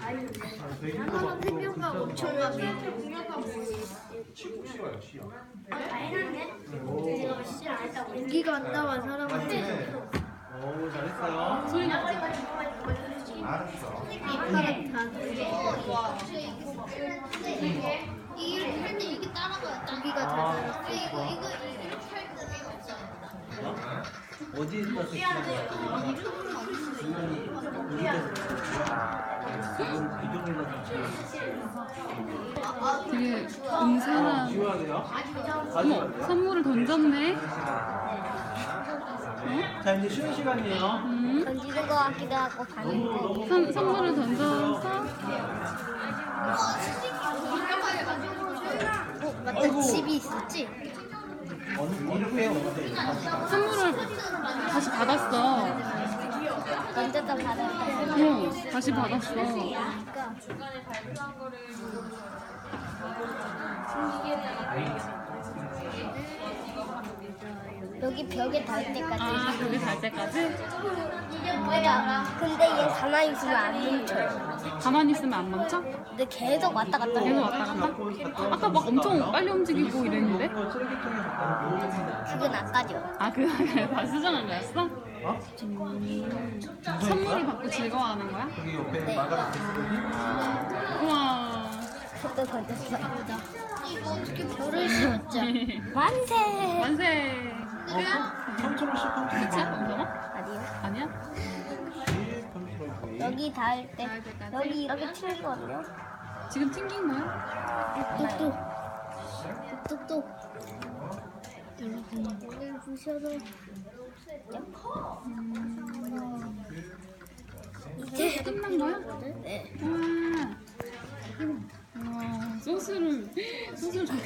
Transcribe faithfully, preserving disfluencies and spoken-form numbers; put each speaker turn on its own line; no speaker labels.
하나는 생명과 엄청 많이. 고기가 안 나와 사람한테.
오, 잘했어요.
소리 나지?
알았어.
아빠가 다
이렇게 할 때 이게 따라가요.
고기가 다 들었어.
이거 이거 이렇게 할 때 내가 없잖아.
어디에서 섹시한 거야? 주머니 어디에서 지금 이동이라서
되게 은사한.
지워야 돼요?
어머, 선물을 던졌네.
자, 이제 쉬는 시간이에요.
음.
던지는 거 같기도 하고 반응.
선, 선물을 던져서
어, 맞다. 집이 있었지?
어느 어느 회에 어디?
선물을 다시 받았어.
던졌다 받았다.
어, 다시 받았어.
여기 벽에 닿을 때까지.
아, 거기 갈 때까지?
맞아. 근데 얘 가만히 있으면 안 멈춰요.
가만히 있으면 안 멈춰?
근데 계속 왔다 갔다
계속
해요.
왔다 갔다? 아까 막 엄청 빨리 움직이고 이랬는데?
그건 아까죠.
아, 그 다 수정한 거였어?
어?
선물을 받고 즐거워하는 거야?
여기 옆에
네.
마가렛 대표님.
우와.
또 던졌어.
이거 어떻게 별을 씌웠죠?
만세!
만세.
삼천 원씩
그치?
펀치.
엄마?
아니요.
아니야?
여기 닿을 때
닿을 때까지?
여기 이렇게 튀거든요.
지금 튕긴 거야?
똑똑. 똑똑. 여러분, 오늘 보셔도
이제 끝난 거야?
네.
우와. 우와. 소스를, 소스를 저렇게